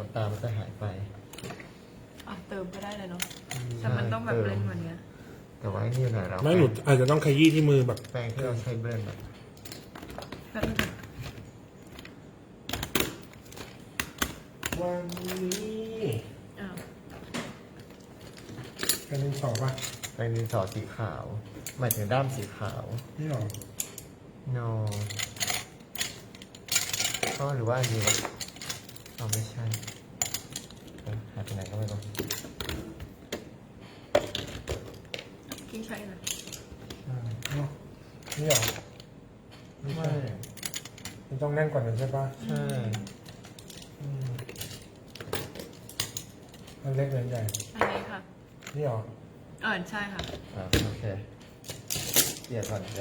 ำตาลมันจะหายไปเติมก็ได้เลยเนาะแต่มันต้องแบบเบลนด์กว่านี้แต่ว่านี่หน่อยเราไม่หนูอาจจะต้องขยี้ที่มือแบบแป้งที่เราใช้เบลนด์แบบวันนี้เป็นดินสอป่ะแป้งดินสอสีขาวหมายถึงด้ามสีขาวนี่หรอ no ก็หรือว่าอันนี้วะเราไม่ใช่หายไปไหนก็ไม่รู้กินใช่ไหมนี่หรอไม่ใช่มันต้องแน่นกว่านั้นใช่ป่ะใช่มันเล็กหรือใหญ่อันนี้ค่ะนี่หรอใช่ค่ะโอเคเดี๋ยวก่อน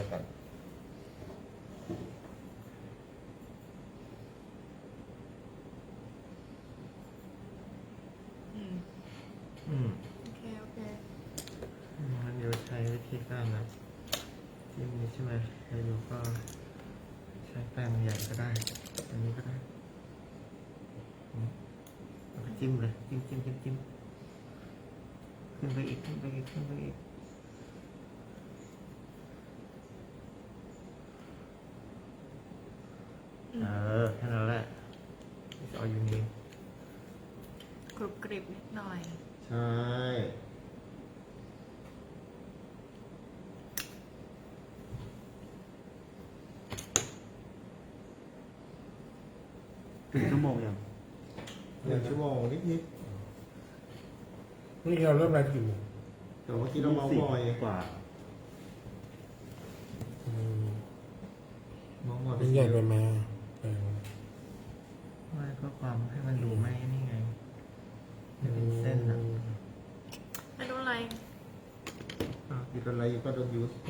โอเคงั้นเดี๋ยวใช้วิธีการนะจิ้มนี้ใช่ไหมให้ดูก็ใช้แป้งใหญ่ก็ได้อันนี้ก็ได้จิ้มเลยจิ้มขึ้นไปอีกแค่นั้นแหละเอาอยู่นี่กรุบกริบนิดหน่อยใช่1 ชั่วโมงยัง1 ชั่วโมงนิดนี่เราเริ่มอะไรกี่โมงแต่เมื่อกี้เราเมาส์มอยกว่าเมาส์มอยเป็นใหญ่ไปไหมไม่เพื่อความให้มันดูไม่นี่ไงไม่เป็นเส้นนะไม่โดนอะไรอยู่โดนอะไรอยู่ก็โดนยูส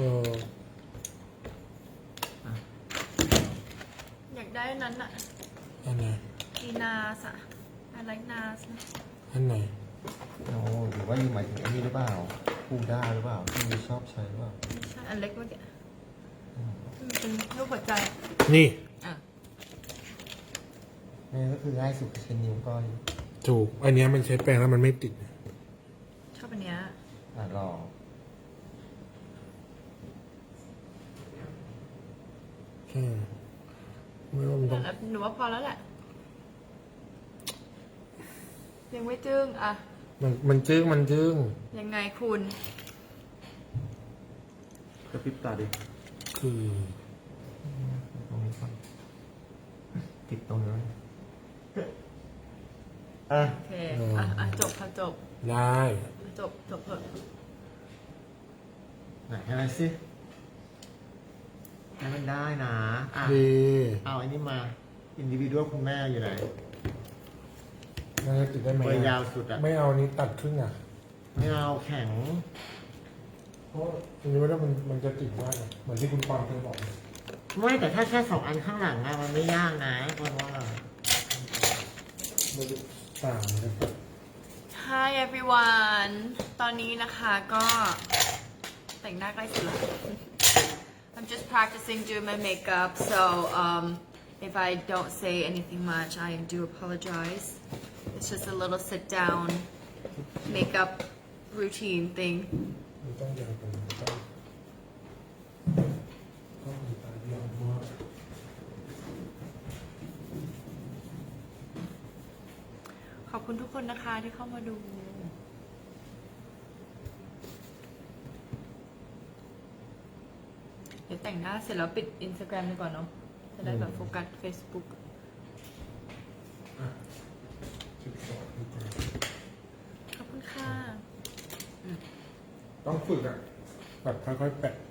อยากได้นั้นอ่ะอันไหนอีนาสอะอะไรนาสอันไหนโอ้หรือว่ายูหมายถึงอันนี้หรือเปล่าพูด้าหรือเปล่าที่ยูชอบใช้หรือเปล่าไม่ใช่อันเล็กเมื่อกี้เป็นรูปหัวใจนี่นี่ก็คือง่ายสุดใช้นิ้วก้อยถูกอันนี้มันใช้แปรงแล้วมันไม่ติดชอบอันเนี้ยลองไม่ว่ามันต้องหนูว่าพอแล้วแหละยังไม่จึ้งมันจึ้งยังไงคุณกระพริบตาดิคือตรงนี้ก่อนติดตรงนี้โอเคจบค่ะจบได้จบเถอะไหนอะไรสิให้มันได้นะเอาอันนี้มาอินดิวิวคุณแม่อยู่ไหนมันจะติดได้ไหมเบอร์ยาวสุดไม่เอานี้ตัดครึ่งไม่เอาแข็งเพราะอันนี้ว่ามันจะติดมากเหมือนที่คุณปอนเคยบอกไม่แต่ถ้าแค่2 อันข้างหลังมันไม่ยากนะคนว่าต่างกัน Hi everyone ตอนนี้นะคะก็แต่งหน้าใกล้เสร็จแล้ว I'm just practicing doing my makeup so if I don't say anything much I do apologize it's just a little sit down makeup routine thing ต้องยาวกว่านี้ต้องตาเดียวมากขอบคุณทุกคนนะคะที่เข้ามาดูเดี๋ยวแต่งหน้าเสร็จแล้วปิด Instagram ดีกว่าเนาะจะได้แบบโฟกัส Facebook ขอบคุณค่ะต้องฝึกแบบค่อยๆแปะ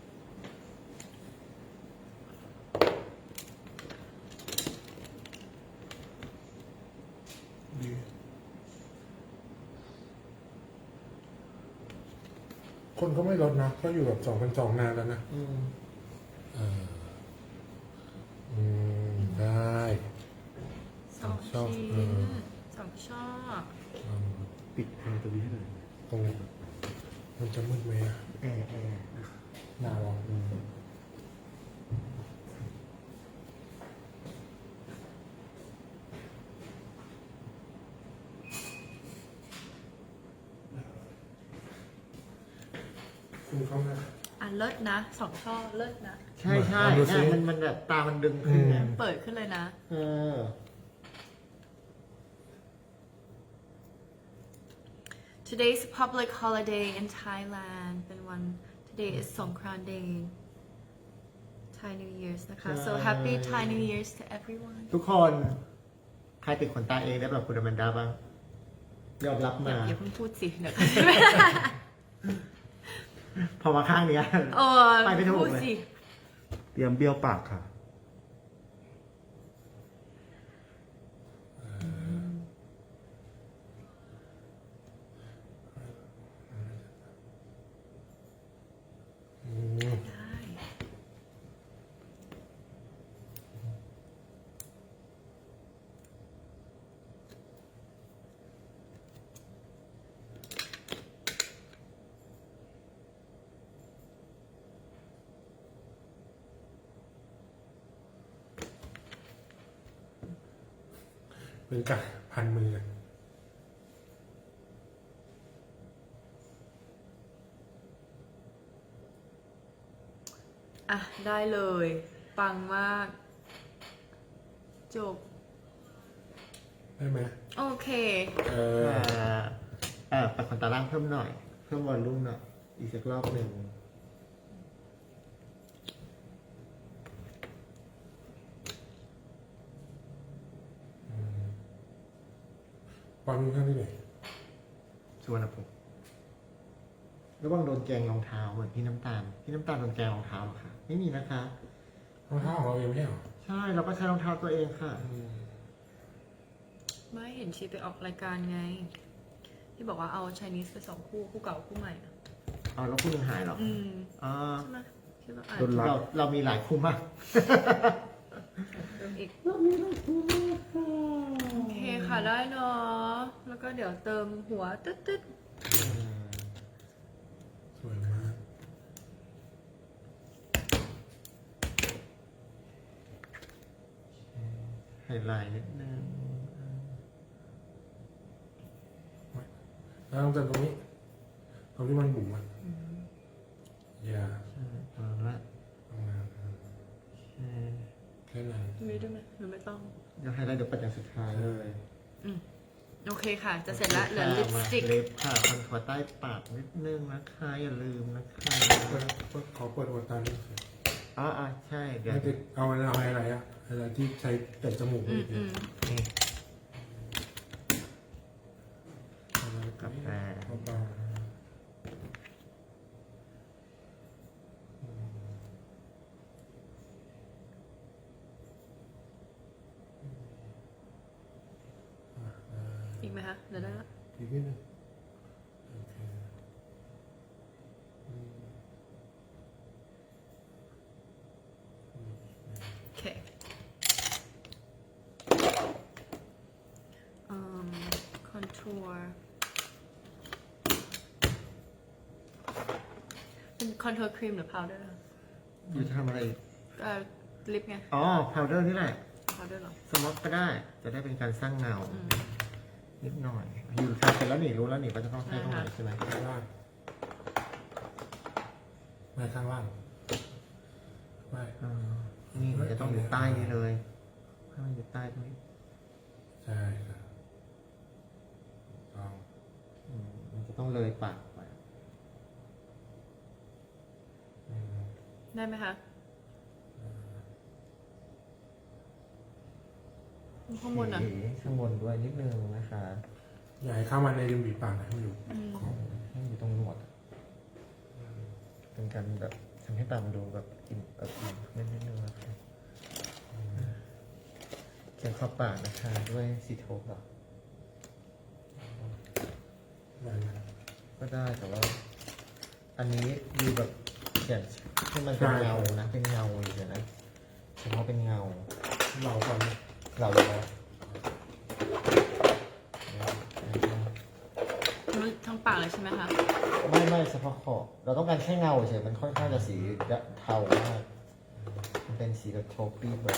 คนก็ไม่ลดนะก็อยู่แบบ2,200นานแล้วนะได้ 2 ชิ้น2 ช่อปิดทางตัวนี้ให้หน่อยตรงมันจะมืดไหมหนาวคุณเข้ามาอ่ะเลิศนะ2 ช่อเลิศนะใช่ใช่ลองดูสิเนี่ยมันแบบตามันดึงขึ้นไงเปิดขึ้นเลยนะเออ Today is a public holiday in Thailand เป็นวัน Today is Songkran Day Thai New Year's นะคะ so happy Thai New Year's to everyone ทุกคนใครติดขนตาเองได้แบบคุณอแมนดาบ้างยอมรับมาอย่าเพิ่งพูดสิเดี๋ยวพอมาข้างเนี้ย ไปไม่ถูกเลยพูดสิเตรียมเบี้ยวปากค่ะได้เป็นกะพันมือกันอ่ะ ได้เลย ปังมาก จบได้ไหมโอเคปัดขนตาล่างเพิ่มหน่อย เพิ่มวอลลุ่มหน่อย อีกสักรอบหนึ่งความมือข้างที่ไหนชวนนะผมระวังโดนแกงรองเท้าเหมือนพี่น้ำตาล พี่น้ำตาลโดนแกงรองเท้าเหรอคะไม่มีนะคะรองเท้าของเราเองไม่ใช่เหรอใช่เราก็ใช้รองเท้าตัวเองค่ะไม่เห็นชีไปออกรายการไง ที่บอกว่าเอา Chinese ไป2 คู่ คู่เก่าคู่ใหม่อะเอาแล้วคู่หนึงหายเหรออืมอ่าใช่ไหมที่เราอ่านโดนรัดเรามีหลายคู่มากเติมอีกเรามีหลายคู่มากค่ะโอเคค่ะได้เนาะ แล้วก็เดี๋ยวเติมหัวตึ๊ดสวยมากไฮไลท์นิดนึงแล้วต้องเติมตรงนี้ ตรงที่มันบุ๋มอ่ะอย่าใช่เอาละทำงานใช่แค่นั้นๆมีด้วยไหมหรือไม่ต้องเดี๋ยวไฮไลท์เดี๋ยวปัดอย่างสุดท้ายเลยโอเคค่ะ จะเสร็จแล้วเหลือลิปสติกเล็บค่ะคอนทัวร์ใต้ปากนิดนึงนะคะอย่าลืมนะคะขอเปิดหัวตานิดนึงอ๋อใช่เดี๋ยวไม่ติดเอาอะไรอะอะไรที่ใช้แต่จมูกอืนี่มนี่กาแฟเบาๆอีกไหมคะเดี๋ยวได้ละอีกนิดนึงโอเคโอเคคอนทัวร์เป็นคอนทัวร์ครีมหรือพาวเดอร์อยู่ทำอะไรลิปไงอ๋อพาวเดอร์นี่แหละพาวเดอร์หรอสม็อกก็ได้ จะได้เป็นการสร้างเงาอืมนิดหน่อย อยู่ทำเสร็จแล้วนี่รู้แล้วนี่ว่าจะต้องใช้ตรงไหนใช่ไหมข้างล่างไม่ข้างล่างไม่อ่านี่มันจะต้องอยู่ใต้นี่เลยให้มันอยู่ใต้ตรงนี้ใช่ครับต้องมันจะต้องเลยปากไปได้ไหมคะข้างบนอ่ะข้างบนด้วยนิดนึงนะคะอย่าให้เข้ามาในริมฝีปากนะให้มันอยู่อืมให้อยู่ตรงหนวดเป็นการแบบทำให้ตามันดูแบบอิ่มนิดนึงนะคะเขียนขอบปากนะคะด้วยสีโทปหรอได้นะก็ได้แต่ว่า อันนี้ดูแบบเขียนให้มันเป็นเงานะเป็นเงาเลยนะเฉพาะเป็นเงาเราก่อนนะเราเลยนะทั้งปากเลยใช่ไหมคะไม่เฉพาะขอบเราต้องการแค่เงาเฉยมันค่อนข้างจะสีเทามากมันเป็นสีแบบโทปี้แบบ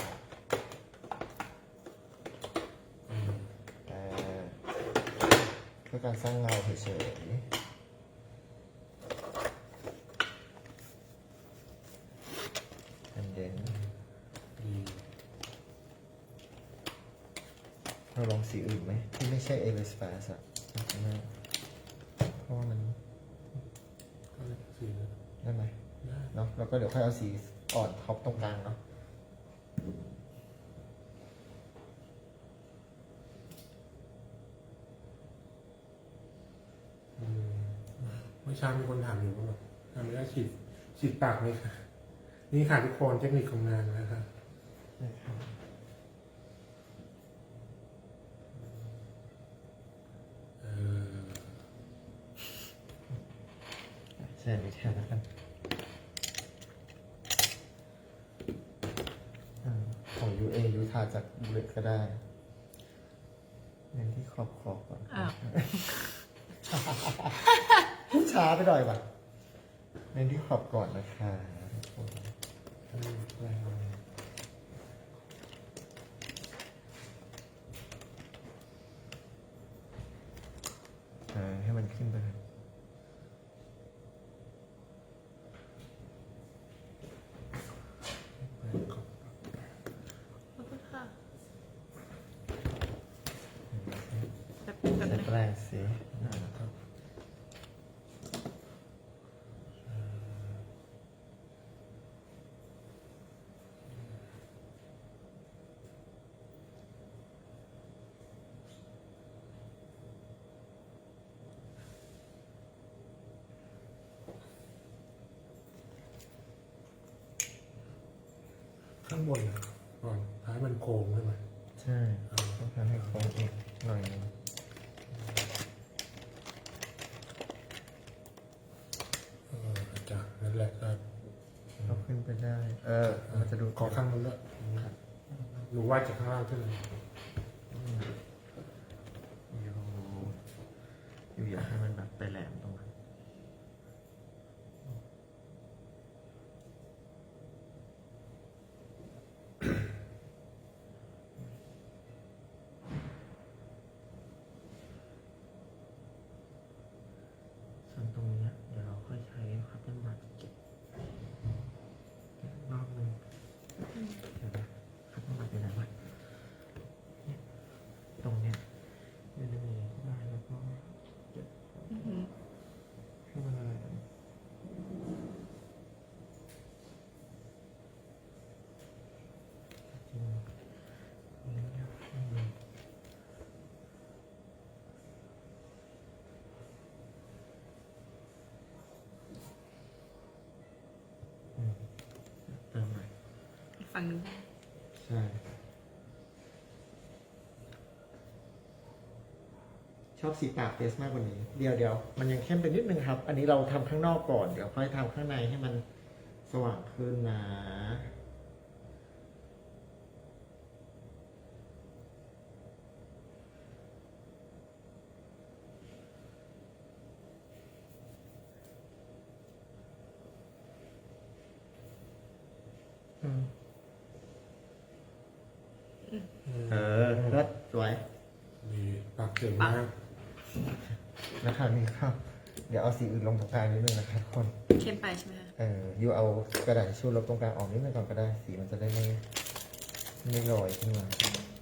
เพื่อการสร้างเงาเฉยสีอื่นไหมที่ไม่ใช่เอเวอร์สเปซอะเพราะว่ามันก็เลยสีเลยได้ไหมได้เนาะแล้วก็เดี๋ยวค่อยเอาสีอ่อนท็อปตรงกลางเนาะอืมเมื่อเช้ามีคนถามอยู่ว่าแบบทำไม่ได้ฉีดปากไหมคะนี่ค่ะทุกคนเทคนิคของงานนะครับนะครับเออใช่ไม่แทนแล้วกันของ UA ยูทาจากบุเลตก็ได้เน้นที่ขอบก่อนอ้าวพูดช้าไปหน่อยว่ะเน้นที่ขอบก่อนนะคะทุกคนให้มันขึ้นไปเลยขอบคุณค่ะแบบจะนึงแปลงสีนะครับข้างบนนะก่อนท้ายมันโค้งใช่ไหมใช่ต้องทำให้โค้งอีกหน่อยนึงจ้ะนั่นแหละครับเอาขึ้นไปได้ มันจะดูขอข้างนู้นด้วยหนูว่าจากข้างล่างขึ้นเลยอยู่อยากให้มันแบบไปแหลมตรงนั้นส่วนตรงเนี้ยเดี๋ยวเราค่อยใช้คัตเติ้ลบัตเก็บรอบนึงเดี๋ยวนะคัตเติ้ลบัตอยู่ไหนวะเนี่ยตรงเนี้ยไม่ได้มีได้แล้วก็เก็บอือหือให้มันอะไรจริงอันนี้อยากให้มันเติมหน่อยอีกฝั่งหนึงใช่ ชอบสีปากเฟสมากกว่านี้ เดี๋ยวมันยังเข้มไปนิดนึงครับ อันนี้เราทำข้างนอกก่อน เดี๋ยวค่อยทำข้างในให้มันสว่างขึ้นนะเลิศสวยมีปากเจ๋งมากนะครับนี่ครับ เดี๋ยวเอาสีอื่นลงตรงกลางนิดนึงนะครับทุกคนเข้มไปใช่ไหมคะยูเอากระดาษทิชชู่ลบตรงกลางออกนิดนึงก่อนก็ได้ สีมันจะได้ไม่ลอยขึ้นมา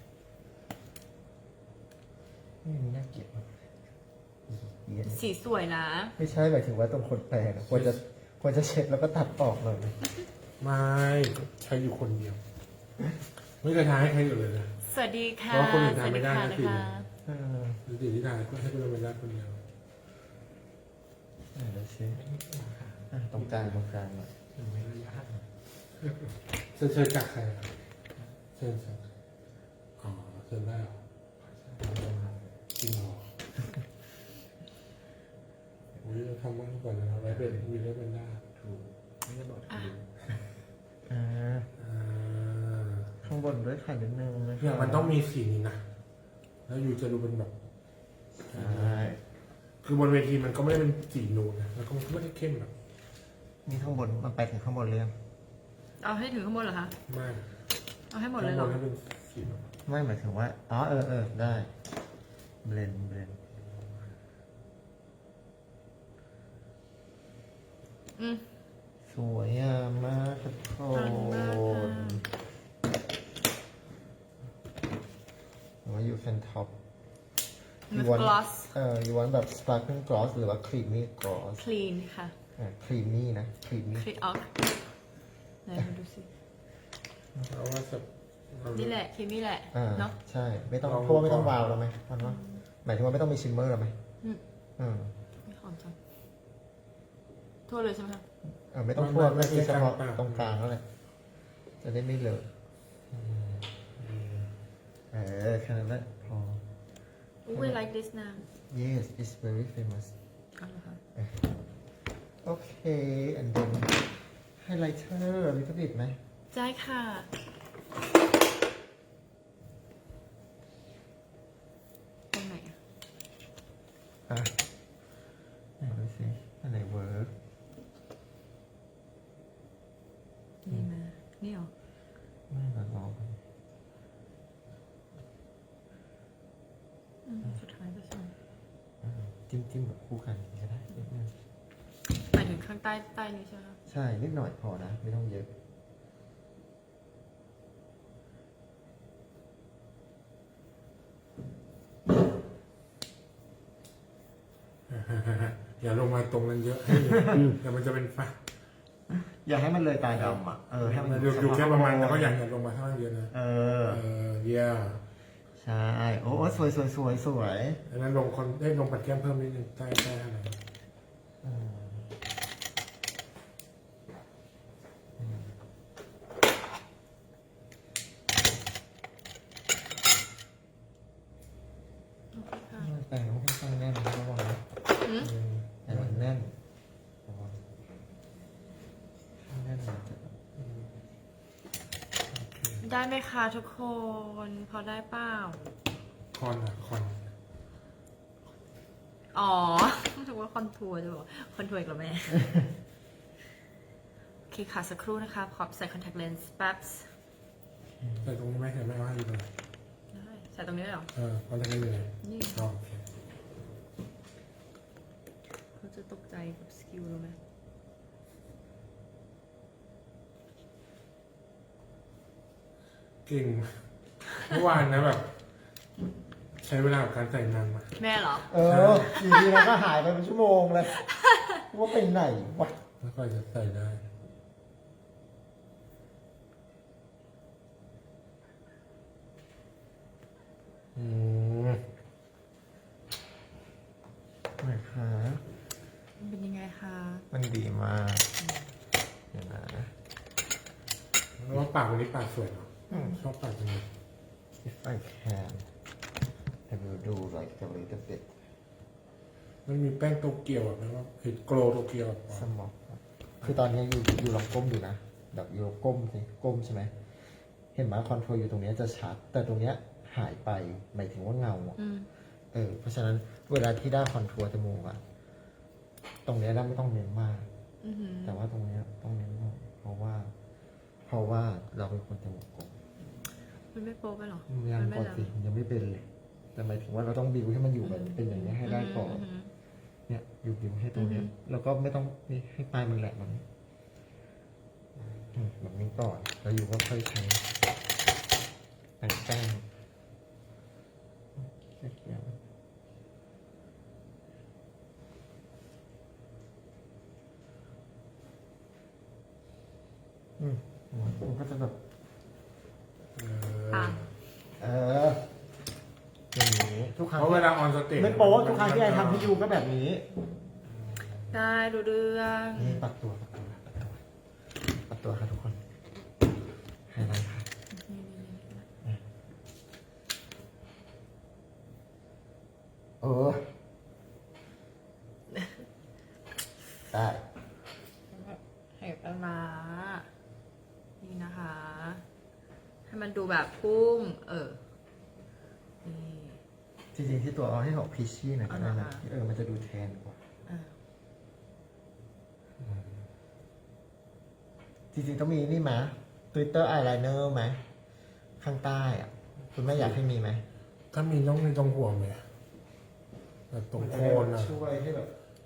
นี่น่าเกลียดมากเย็นสีสวยนะไม่ใช่หมายถึงว่าตรงคนแปลงอะควรจะเช็ดแล้วก็ตัดออกหน่อยไม่ใช้อยู่คนเดียว ไม่เคยทายให้ใครอยู่เลยนะสวัสดีค่ะเพราะคนอื่นสทำวัสไม่ดีได้ค่ะนะนะสิคะดูสิที่ทายก็ให้คุณเป็นได้คนเดียวเดี๋ยวเช็ดตรงกลางหน่อยเชิญจากใครครับเชิญจากอ๋อเชิญได้เหรอจริงเหรออุ้ยเราทำบ้างก่อนนะไว้เป็นมีไว้เป็นได้ถูกไม่ได้บอกถูกอ่าข้างบนด้วยค่ะนิดนึงนะเนี่ยมันต้องมีสีนี้นะแล้วอยู่จะดูเป็นแบบใช่คือบนเวทีมันก็ไม่ได้เป็นสีนูนนะแล้วก็ไม่ได้เข้มแบบนี่ข้างบนมันไปถึงข้างบนเรื่องเอาให้ถึงข้างบนเหรอคะไม่เอาให้หมดเลยเหรอข้างบนให้เป็นสีแบบไม่หมายถึงว่าอ๋อได้เบลนอืมสวยงามมากทุกคขอบคุณมากค่ะนว่าอยู่แฟนท็อป With want gloss you want แบบ sparkling gloss หรือว่า creamy gloss clean ค่ะ creamy นะ creamy คลีนออกไหนมาดูสิเพราะว่าจะนี่แหละครีมนี่แหละ เนาะใช่ไม่ต้องลองเพราะว่าไม่ต้องก่อนวาวแล้วไหมมันว่าหมายถึงว่าไม่ต้องมีชิมเมอร์แล้วไหมอืมอืมไม่หอมจังทั่วเลยใช่ไหมคะไม่ต้องทั่วไม่ใช่เฉพาะไม่ตรงกลางแล้วแหละจะได้ไม่เลอะแค่นั้นแหละพอ We like this now yes it's very famous เอาเหรอคะ okay and then highlighter a little bit ไหมได้ค่ะตรงไหนอะอ่ะไหนดูสิอันไหนเวิร์กนี่มานี่เหรอไม่มาลองกันสุดท้ายก็ใช่จิ้มแบบคู่กันก็ได้นิดนึงหมายถึงข้างใต้นี้ใช่ไหมคะใช่นิดหน่อยพอนะ ไม่ต้องเยอะอย่าลงมาตรงนั้นเยอะให้เดี๋ยวมันจะเป็นฟ้าอย่าให้มันเลยตาดำอ่ะให้มันอยู่แค่ประมาณแล้วก็อย่าลงมาข้างล่างเยอะนะเยี่ยใช่โอ้สวยสวยสวยสวยดังนั้นลงปัดแก้มเพิ่มนิดนึงใต้อะไรโอเคค่ะแต่งมันค่อนข้างแน่นระวังนะอืมแต่มันแน่นระวังแน่นมันจะได้ไหมคะทุกคน พอได้เปล่าคอนอ๋อถือว่าคอนทัวร์จะบอกคอนทัวร์อีกแล้วแม่ โอเคค่ะสักครู่นะคะขอใส่คอนแทคเลนส์แป๊บใส่ตรงนี้ไหมเห็นไหมว่าอยู่ตรงไหนได้ใส่ตรงนี้เลยเหรอคอนแทคเลนส์อยู่ไหนนี่อ๋อโอเคเขาจะตกใจกับสกิลเราไหมเก่งเมื่อวานนะแบบ ใช้เวลากับการใส่นานมากแม่เหรออยู่ดีแล้วก็หายไปเป็นชั่วโมงเลยว่าไปไหนวะแล้วก็จะใส่ได้ไหนคะมันเป็นยังไงคะมันดีมากเดี๋ยวนะแล้วว่าปากวันนี้ปากสวยเนาะชอบปากจังเลย if I can I will do like a little bit มันมีแป้งโตเกียวแบบนั้นว่าเห็ดโกลโตเกียวแบบสมองคือตอนนี้อยู่ลองก้มดูนะแบบอยู่ก้มสิก้มใช่ไหมเห็นไหมคอนโทรลอยู่ตรงนี้จะชัด แต่ตรงเนี้ยหายไปหมายถึงว่าเงาอะอืมเพราะฉะนั้นเวลาที่ได้คอนทัวร์จมูกอะตรงเนี้ยเราไม่ต้องเน้นมากอือหือแต่ว่าตรงเนี้ยต้องเน้นมากเพราะว่าเราเป็นคนจมูกกลมมันไม่โป๊ไปหรอยังก่อนสิยังไม่เป็นเลย แต่หมายถึงว่าเราต้องบิวให้มันอยู่แบบเป็นอย่างนี้ยให้ได้ก่อนหือเนี่ยอยู่บิวให้ตรงเนี้ยอือฮึแล้วก็ไม่ต้องนี่ให้ปลายมันแหลมแบบนี้แบบนี้ก่อนแล้วอยู่ก็ค่อยใช้แต่งแป้งเกี่ยวมันก็จะแบบอ่ะอย่างนี้ทุกครั้งเพราะเวลาออนสเตจไม่โป๊ะทุกครั้งที่ไอทำให้ยูก็แบบนี้ได้ดูเรื่องนี่ปัดตัวค่ะทุกคนไฮไลท์ค่ะได้ให้ปลาร้านี่นะคะ ให้มันดูแบบพุ่งนี่จริงๆที่ตัวเอาให้ออกพีชี่หน่อยก็ได้นะอ่ามันจะดูแทนกว่าอ่ะจริงๆต้องมีนี่ไหม Twitter eyeliner ไหมข้างใต้อ่ะ คุณแม่อยากให้มีไหมถ้ามีต้องมีตรงหัวไหมแบบตรงโคนอะช่วยให้แบบ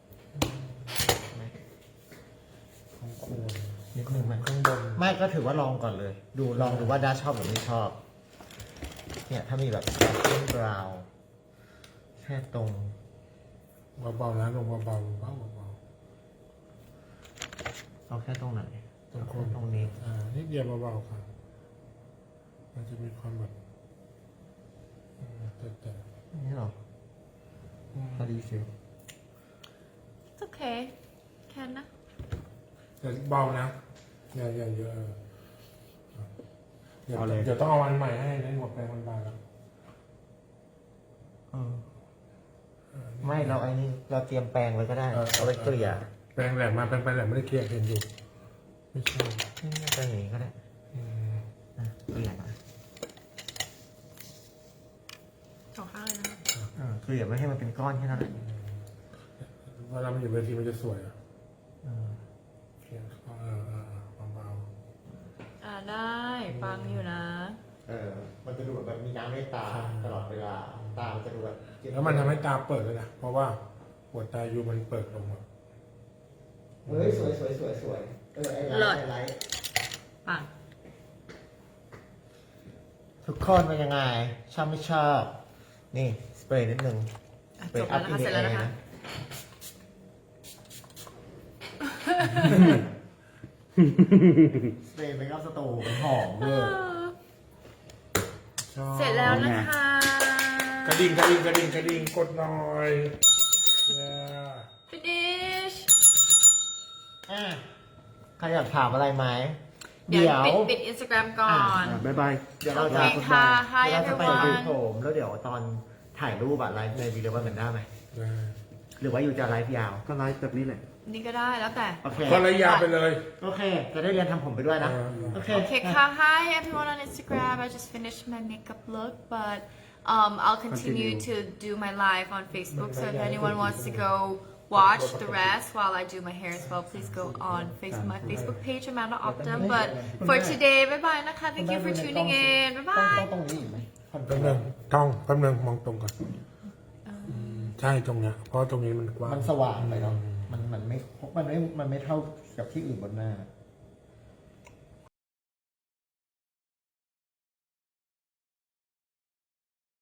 ตรงโคนนิดนึงไหมข้างบนไม่ก็ถือว่าลองก่อนเลย ลองดูว่าด้าชอบหรือไม่ชอบ เนี่ยถ้ามีแบบ sparkling brown แค่ตรงเบาๆนะลงเบาๆเบาเอาแค่ตรงไหนๆตรงโคนตรงนี้นิดเดียวเบาๆค่ะมันจะมีความแบบแต่นี่หรอพอดีฟิล It's okay แค่นะแต่เบานะอย่าเยอะเดี๋ยวต้องเอาวันใหม่ให้ในหัวแปรงมันบางแล้วไม่เราไอ้นี่เราเตรียมแปรงไว้ก็ได้เอาไว้เกลี่ยแปรงแหลมมาแปรงไปแหลมไม่ได้เคลียร์เห็นอยู่ไม่ใช่นี่แปรงอย่างนี้ก็ได้เกลี่ยนะสองข้างเลยนะเกลี่ยไม่ให้มันเป็นก้อนแค่นั้นแหละเวลามันอยู่เวทีมันจะสวยอ่ะเคลียร์เบาได้ฟังอยู่นะมันจะดูแบบมีน้ำในตาตลอดเวลาตามันจะดูแบบๆแล้วมันทำให้ตาเปิดเลยนะเพราะว่าหัวตาอยู่มันเปิดลงอ่ะเฮ้ยสวยไอ้ไลท์ปังทุกคนเป็นยังไงชอบไม่ชอบนี่สเปรย์นิดนึงจบแล้วนะคะ เสร็จแล้วนะคะสเปรย์เมคอัพสตูมันหอมเลยเสร็จแล้วนะคะกระดิ่งกดหน่อย finish ใครอยากถามอะไรไหมเดี๋ยวปิด Instagram ก่อนบ๊ายบายเดี๋ยวเราจะโอเคค่ะ Hi เดี๋ยวเราจะไป everyone ดูผมแล้วเดี๋ยวตอนถ่ายรูปอะไลฟ์ในวีดีโอกันได้ไหมได้หรือว่าอยู่จะไลฟ์ยาวก็ไลฟ์แบบนี้แหละนี่ก็ได้แล้วแต่โอเคก็ระยะไปเลยโอเค จะได้เรียนทำผมไปด้วยนะ โอเคโอเคค่ะ Hi everyone on Instagram I just finished my makeup look but I'll continue to do my live on Facebook so if anyone wants to go watch the rest while I do my hair as well please go on my Facebook page Amanda Optum but for today bye bye นะคะ thank you for tuning in bye bye ตรงนี้อีกไหมแป๊บนึงมองตรงก่อนใช่ตรงเนี้ยเพราะตรงนี้มันกว้างมันสว่างไปเนาะมันไม่เท่ากับที่อื่นบนหน้า